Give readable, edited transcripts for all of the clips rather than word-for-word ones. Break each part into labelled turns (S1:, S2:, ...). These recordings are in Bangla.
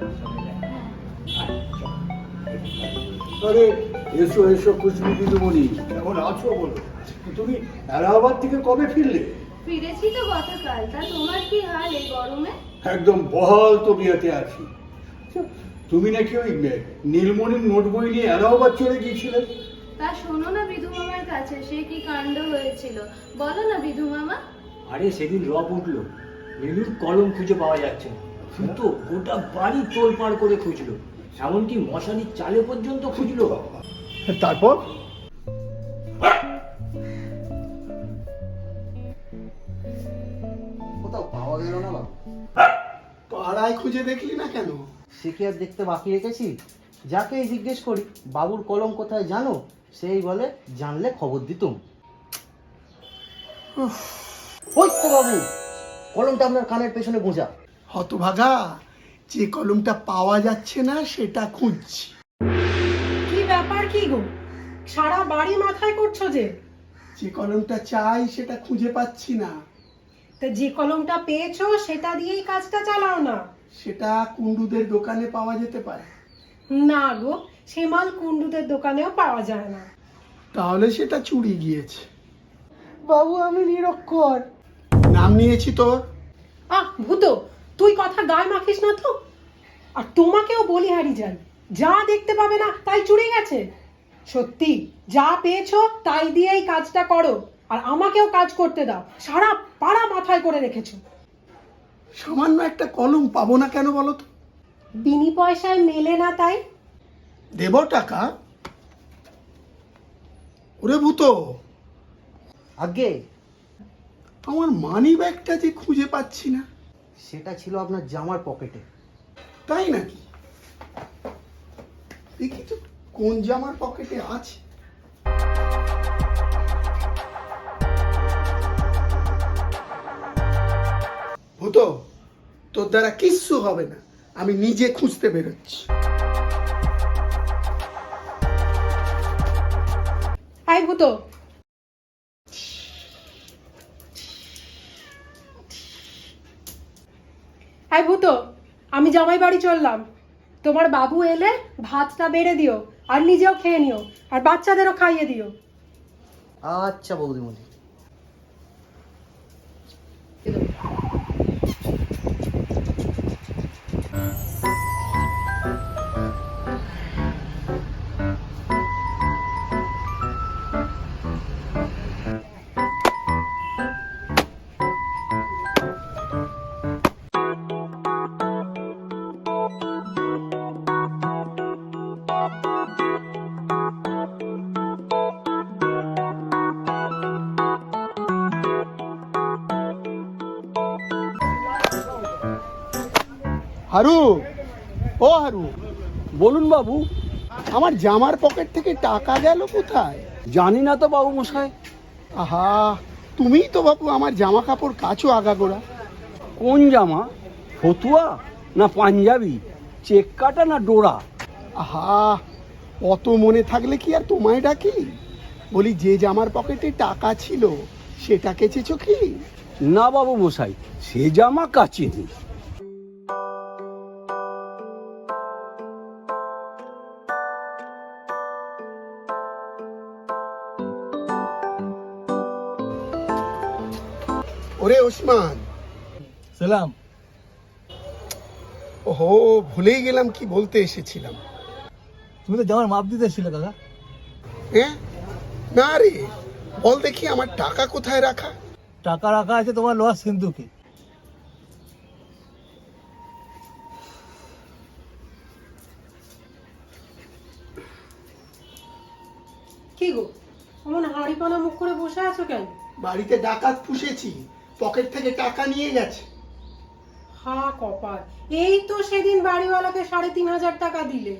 S1: আরে এসো এসো খুশবু দিদিমণি, কেমন আছো বলো? তুমি এলাহাবাদ থেকে কবে ফিরলে?
S2: ফিরেছি তো গতকাল। তা তোমার কি হাল এই গরমে?
S1: একদম বহাল তবিয়াতে আছি। তুমি নাকি ওই নীলমণির নোট বই নিয়ে এলাহাবাদ চলে গিয়েছিলে?
S2: তা শোনো না বিধু মামার কাছে, সে কি কাণ্ড হয়েছিল বলো না বিধু মামা।
S3: আরে সেদিন রব উঠলো, নীলুর কলম খুঁজে পাওয়া যাচ্ছে না। তো গোটা বাড়ি তোলপাড় করে খুঁজলো, এমনকি মশারির চালে পর্যন্ত খুঁজলো।
S1: তারপর?
S4: কোথাও পাওয়া গেল না বাবু।
S5: পাড়ায় খুঁজে দেখলি না কেন?
S4: সে কি আর দেখতে বাকি রেখেছি? যাকেই জিজ্ঞেস করি বাবুর কলম কোথায় জানো, সেই বলে জানলে খবর দিতুম। ওই তো বাবু, কলমটা আপনার কানের পেছনে গোঁজা।
S5: হতভাগা, যে কলমটা পাওয়া যাচ্ছে না সেটা খুঁজছি।
S6: কি ব্যাপার কি গো, সারা বাড়ি মাথায় করছো যে?
S5: যে কলমটা চাই সেটা খুঁজে পাচ্ছি না।
S6: তা যে কলমটা পেয়েছো সেটা দিয়েই কাজটা চালাও না।
S5: সেটা কুন্ডুদের দোকানে পাওয়া যেতে পারে।
S6: না গো, সে মাল কুন্ডুদের দোকানেও পাওয়া যায় না।
S5: তাহলে সেটা চুরি গিয়েছে। বাবু আমি নিরক্ষর। নাম নিয়েছি তোর।
S6: আহ ভূতো, তুই কথা গায়ে মাখিস না তো। আর তোমাকেও বলি হারি যাই, যা দেখতে পাবে না তাই চুরি গেছে। সত্যি যা পেয়েছো তাই দিয়েই কাজটা করো, আর আমাকেও কাজ করতে দাও। সারা পাড়া মাথায় করে রেখেছো।
S5: সামান্য একটা কলম পাবো না কেন বলো তো?
S6: বিনি পয়সায় মেলে না তাই।
S5: দেব টাকা? ওরে ভূত,
S4: আগে
S5: আমার মানি ব্যাগটা যে খুঁজে পাচ্ছি না।
S4: সেটা ছিল আপনার জামার পকেটে।
S5: তাই নাকি? দেখি তো কোন জামার পকেটে আছে। ভূত, তোর দ্বারা কিচ্ছু হবে না, আমি নিজে খুঁজতে বেরোচ্ছি।
S6: আই ভূতো, আই ভূতো, আমি জামাই বাড়ি চললাম। তোমার বাবু এলে ভাতটা বেড়ে দিও, আর নিজেও খেয়ে নিও, আর বাচ্চাদেরও খাইয়ে দিও।
S4: আচ্ছা বৌদিমণি।
S5: হারু, ও হারু,
S1: বলুন বাবু।
S5: আমার জামার পকেট থেকে টাকা গেল কোথায়?
S1: জানি না তো বাবু মশাই।
S5: আহা, তুমিই তো বাবু আমার জামা কাপড় কাচো আগাগোড়া।
S1: কোন জামা? ফতুয়া না পাঞ্জাবি, চেক কাটা না ডোরা?
S5: আহা, অত মনে থাকলে কি আর তোমায় ডাকি? বলি যে জামার পকেটে টাকা ছিল সেটা কেচেছো কি?
S1: না বাবু মশাই, সে জামা কাচিনি।
S5: ওরে ওসমান,
S3: সালাম।
S5: ওহো, ভুলেই গেলাম কি বলতে এসেছিলাম।
S3: তুমি তো জামার মাপ দিতে এসেছিলে দাদা।
S5: হ্যাঁ? না রে, বল দেখি আমার টাকা কোথায় রাখা?
S3: টাকা রাখা আছে তোমার লোহার সিন্ধুকে।
S6: কি গো, এমন হাড়ি পানা মুখ করে বসে আছো কেন?
S5: বাড়িতে ডাকাত পুষেছি, পকেট থেকে টাকা নিয়ে গেছে।
S6: হা কপাল, এই তো সেদিন বাড়িওয়ালাকে ৩,৫০০ টাকা দিলে।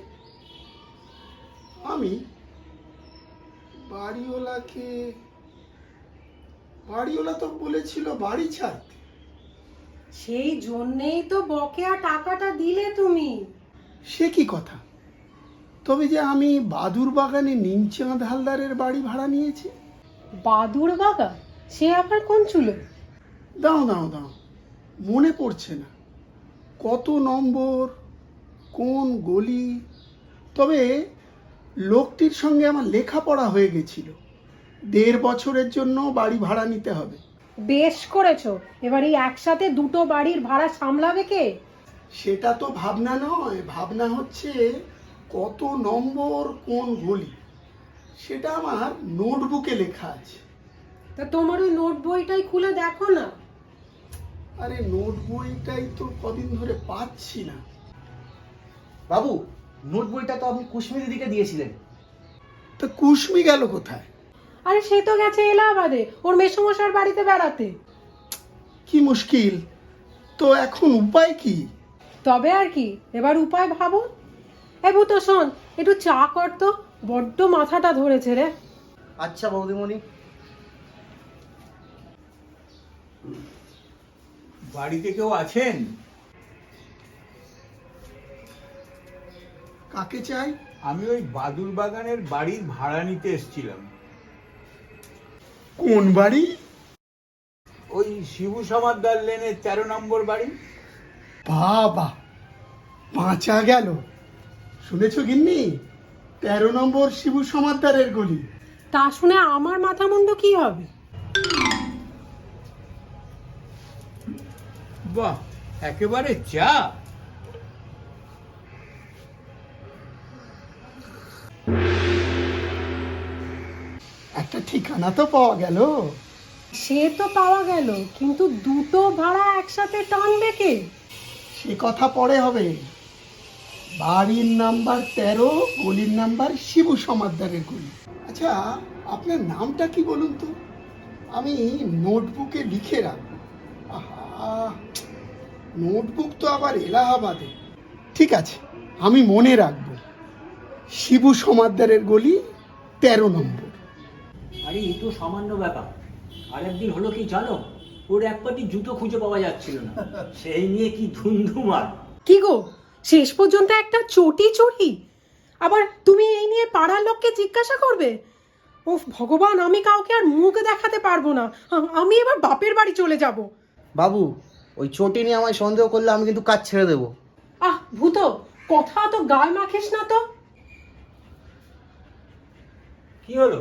S5: আমি বাড়িওয়ালাকে? বাড়িওয়ালা তো বলেছিল বাড়ি ছাড়তে।
S6: সেই জন্যেই তো বকেয়া টাকাটা দিলে তুমি।
S5: সে কি কথা? তবে যে আমি বাদুর বাগানে নিমচাঁদ হালদারের বাড়ি ভাড়া নিয়েছি।
S6: বাদুর বাগান? সে আবার কোন চুলো?
S5: দাও দাও দাও, মনে পড়ছে না। কত নম্বর? কোন গলি? তবে লোকটির সঙ্গে আমার লেখাপড়া হয়ে গেছিল। 1.5 বছরের জন্য বাড়ি ভাড়া নিতে হবে।
S6: বেশ করেছো। এবার এই একসাথে দুটো বাড়ির ভাড়া সামলাবে কে?
S5: সেটা তো ভাবনা নয়, ভাবনা হচ্ছে কত নম্বর কোন গলি, সেটা আমার নোটবুকে লেখা আছে।
S6: তা তোমার ওই নোট বইটাই খুলে দেখো না।
S5: আরে নোট বইটাই তো কদিন ধরে পাচ্ছি না।
S4: বাবু, নোট বইটা তো আপনি কুশ্মী দিদিকে দিয়েছিলেন।
S5: তা কুশ্মি গেল কোথায়?
S6: আরে সে তো গেছে এলাহাবাদে ওর মেসোমশার বাড়িতে বেড়াতে।
S5: কি মুশকিল! তো এখন উপায় কি?
S6: তবে আর কি, এবার উপায় ভাবো। ভূত শোন, একটু চা কর তো, বড্ড মাথাটা ধরেছে রে।
S4: আচ্ছা বৌদিমণি।
S1: বাড়িতে কেউ আছেন?
S5: কাকে চাই?
S1: আমি ওই বাদুর বাগানের বাড়ির ভাড়া নিতে এসেছিলাম।
S5: কোন বাড়ি?
S1: ওই শিবু সমাদ্দার লেনের 13 নম্বর বাড়ি।
S5: বাবা, বাঁচা গেল। শুনেছ গিন্নি, 13 নম্বর শিবু সমাদ্দারের গলি।
S6: তা শুনে আমার মাথা মুন্ডু কি হবে?
S1: বাহ, একেবারে চা।
S5: একটা ঠিকানা তো পাওয়া গেল।
S6: সে তো পাওয়া গেল, কিন্তু দুটো ভাড়া একসাথে টানবে কে?
S5: সে কথা পরে হবে। বাড়ির নাম্বার 13, গলির নাম্বার শিবু সমাদ্দারের গলি। আচ্ছা, আপনার নামটা কি বলুন তো, আমি নোটবুকে লিখে রাখবো। আহা, নোটবুক তো আবার এলাহাবাদে। ঠিক আছে, আমি মনে রাখবো। শিবু সমাদ্দারের গলি 13 নম্বর।
S3: আরে এই তো সামান্য ব্যাপার। আর একদিন হলো কি জানো, ওর এক পাটি জুতো খুঁজে পাওয়া যাচ্ছিল না, সেই নিয়ে কি ধুমধুমার।
S6: কি গো, শেষ পর্যন্ত একটা চটি চুরি? আবার তুমি এই নিয়ে পাড়ার লোককে জিজ্ঞাসা করবে? ও ভগবান, আমি কাউকে আর মুখ দেখাতে পারবো না। আমি এবার বাপের বাড়ি চলে যাব।
S4: বাবু, ওই চটি নিয়ে আমায় সন্দেহ করলে আমি কিন্তু কাজ ছেড়ে দেবো।
S6: ভূত, কথা তো গায়ে মাখিস না তো।
S3: কি হলো?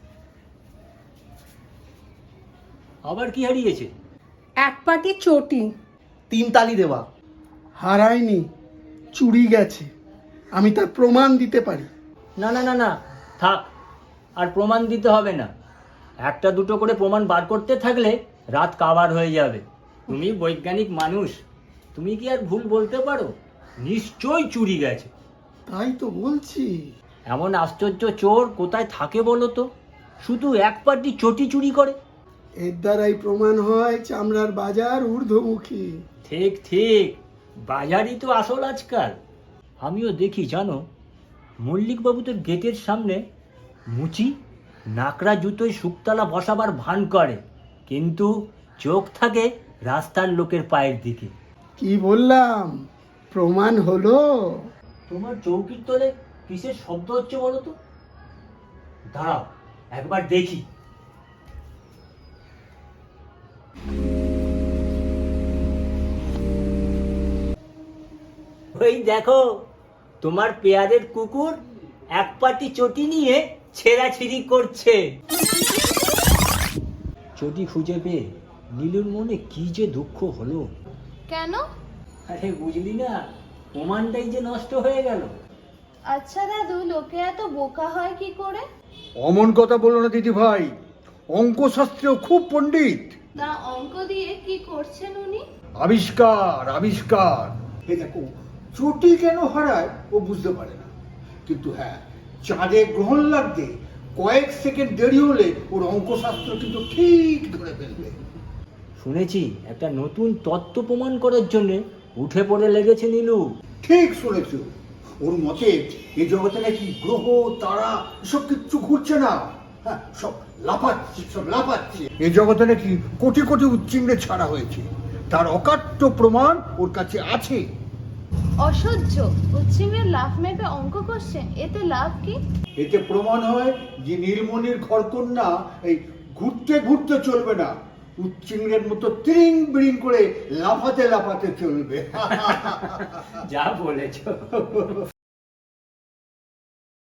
S3: আবার কি হারিয়েছে?
S6: এক পাটি চটি।
S4: 3 তালি দেওয়া।
S5: হারায়নি, চুরি গেছে। আমি তার প্রমাণ দিতে পারি।
S3: না না না না, থাক, আর প্রমাণ দিতে হবে না। একটা দুটো করে প্রমাণ বার করতে থাকলে রাত কাবার হয়ে যাবে। তুমি বৈজ্ঞানিক মানুষ, তুমি কি আর ভুল বলতে পারো? নিশ্চয়ই চুরি গেছে।
S5: তাই তো বলছি।
S3: এমন আশ্চর্য চোর কোথায় থাকে বলো তো, শুধু এক পাটি চটি চুরি করে।
S5: এর দ্বারাই প্রমাণ হয় চামড়ার বাজার ঊর্ধ্বমুখী।
S3: ঠিক ঠিক, বাজারই তো আসল আজকাল। আমিও দেখি জানো, মল্লিকবাবু তোর গেটের সামনে মুচি নাকড়া জুতোয় শুকতলা বসাবার ভান করে, কিন্তু চোখ থাকে রাস্তার লোকের পায়ের দিকে।
S5: কি বললাম, প্রমাণ হলো।
S3: তোমার চৌকির তলে কিসের শব্দ হচ্ছে বলো তো? দাঁড়াও একবার দেখি। ওই দেখো, তোমার পেয়ারের কুকুর এক পাটি চটি নিয়ে ছেঁড়াছিড়ি করছে। চটি খুঁজে পেয়ে নীলুর মনে কি যে দুঃখ হলো।
S2: কেন?
S3: আরে বুঝলি না, প্রমাণটাই যে নষ্ট হয়ে গেল।
S2: আচ্ছা দাদু, লোকে এত বোকা হয় কি করে?
S1: অমন কথা বলো না দিদি ভাই, অঙ্কশাস্ত্রেও খুব পণ্ডিত।
S2: তা অঙ্ক দিয়ে কি করছেন উনি?
S1: আবিষ্কার আবিষ্কার। এই দেখো, চটি কেন হারায় ও বুঝতে পারে না, কিন্তু হ্যাঁ, চাঁদে গ্রহণ লাগতে কয়েক সেকেন্ড দেরি হলে ওর অঙ্কশাস্ত্র কিন্তু ঠিক ধরে ফেলবে।
S3: শুনেছি একটা নতুন তত্ত্ব প্রমাণ করার জন্য উঠে পড়ে লেগেছে নীলু।
S1: ঠিক শুনেছ, ওর মতে এই জগতে নাকি গ্রহ তারা সব কিচ্ছু ঘুরছে না, হ্যাঁ সব লাফাচ্ছে। এই জগতে নাকি কোটি কোটি উচ্চিঙ্গে ছাড়া হয়েছে, তার অকাট্য প্রমাণ ওর কাছে আছে।
S2: অসহ্য, উচ্ছিঙ্গের লাফ মেপে অঙ্ক করছেন, এতে লাভ কি?
S1: এতে প্রমাণ হয় যে নীলমণির ঘরকন্যা এই ঘুরতে ঘুরতে চলবে না, উচ্চিংড়ের মতো ত্রিং বিড়িং করে লাফাতে লাফাতে চলবে।
S3: যা বলেছো।